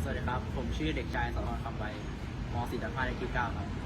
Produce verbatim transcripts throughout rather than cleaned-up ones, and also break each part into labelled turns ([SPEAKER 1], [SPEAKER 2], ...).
[SPEAKER 1] สวัสดีครับ ผมชื่อเด็กชายสรคำใบม .สี่ ทับห้าเลขที่เก้าครับ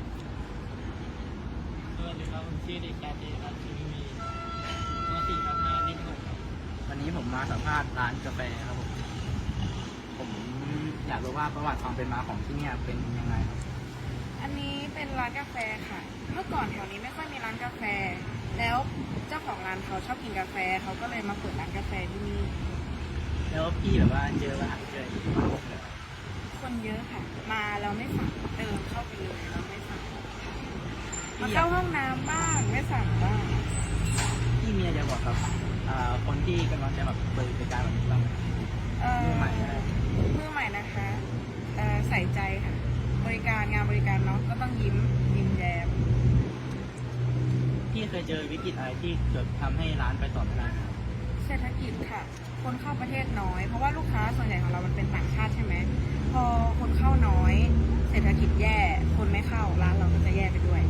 [SPEAKER 2] สวัสดีครับผมชื่อเด็กชายเจรัตน์ชิมีม .สี่ ทับห้าเลขหกครับ
[SPEAKER 1] วันนี้ผมมาสัมภาษณ์ร้านกาแฟครับผม ผมอยากรู้ว่าประวัติความเป็นมาของที่เนี่ยเป็นยังไงครับ
[SPEAKER 3] อันนี้เป็นร้านกาแฟค่ะ เมื่อก่อนแถวนี้ไม่ค่อยมีร้านกาแฟ แล้วเจ้าของร้านเขาชอบกินกาแฟ เขาก็เลยมาเปิดร้านกาแฟที่นี่
[SPEAKER 1] แล้วพี่แบบว่าเจอปัญหาเจอที่มาพบเลย
[SPEAKER 3] คนเยอะค่ะ มาเราไม่สั่งเดินเข้าไปเลยเราไม่สั่งมาเข้าห้องน้ำบ้างไม่สั่งบ้าง
[SPEAKER 1] พี่มีอะไรจะบอกครับอ่าคนที่กำลังจะแบบเปิดบริการแบบนี้บ้างไหม
[SPEAKER 3] เอ่อ
[SPEAKER 1] มือใหม่นะ
[SPEAKER 3] มือใหม่นะคะเอ่อใส่ใจค่ะ บริการงานบริการเนาะก็ต้องยิ้มยิ้มแย้ม
[SPEAKER 1] พี่เคยเจอวิกฤตอะไรที่เกิดทำให้ร้านไปต่อไม่ได้ไหมครับ
[SPEAKER 3] เศรษฐกิจค่ะ คนเข้าประเทศน้อย เพราะว่าลูกค้าส่วนใหญ่ของเรามันเป็นต่างชาติใช่ไหม พอคนเข้าน้อย เศรษฐกิจแย่ คนไม่เข้าร้านเราก็จะแย่ไปด้วย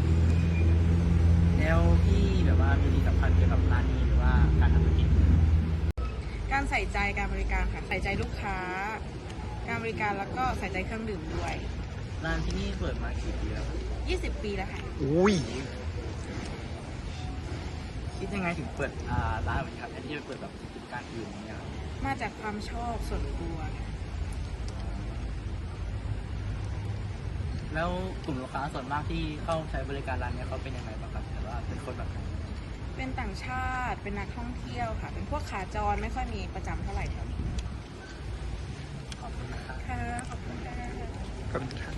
[SPEAKER 1] แล้วพี่แบบว่ามีดีสำคัญเกี่ยวกับร้านนี้หรือว่าการทำธุรกิจ
[SPEAKER 3] การใส่ใจการบริการค่ะ ใส่ใจลูกค้า การบริการแล้วก็ใส่ใจเครื่องดื่มด้วย
[SPEAKER 1] ร้านที่นี่เปิดมากี่ปีแล้วครับ
[SPEAKER 3] ยี่สิบ ปีแล้วค่ะ
[SPEAKER 1] อุ้ย คิดยังไงถึงเปิดอ่าร้านแบบนี้ครับแทนที่จะเปิดแบบกิจการอื่นอย่างเงี้ยครับ
[SPEAKER 3] มาจากความชอบส่วนตัวค่ะ
[SPEAKER 1] แล้วกลุ่มลูกค้าส่วนมากที่เข้าใช้บริการร้านเนี้ยเขาเป็นยังไงบ้างครับหรือว่าเป็นคนแบบไหน
[SPEAKER 3] เป็นต่างชาติ เป็นนักท่องเที่ยวค่ะ เป็นพวกขาจรไม่ค่อยมีประจำเท่าไหร่แถวนี้
[SPEAKER 1] ขอบคุณนะครับ
[SPEAKER 3] ค่ะ ขอบคุณค่ะ
[SPEAKER 1] ขอบคุณครับ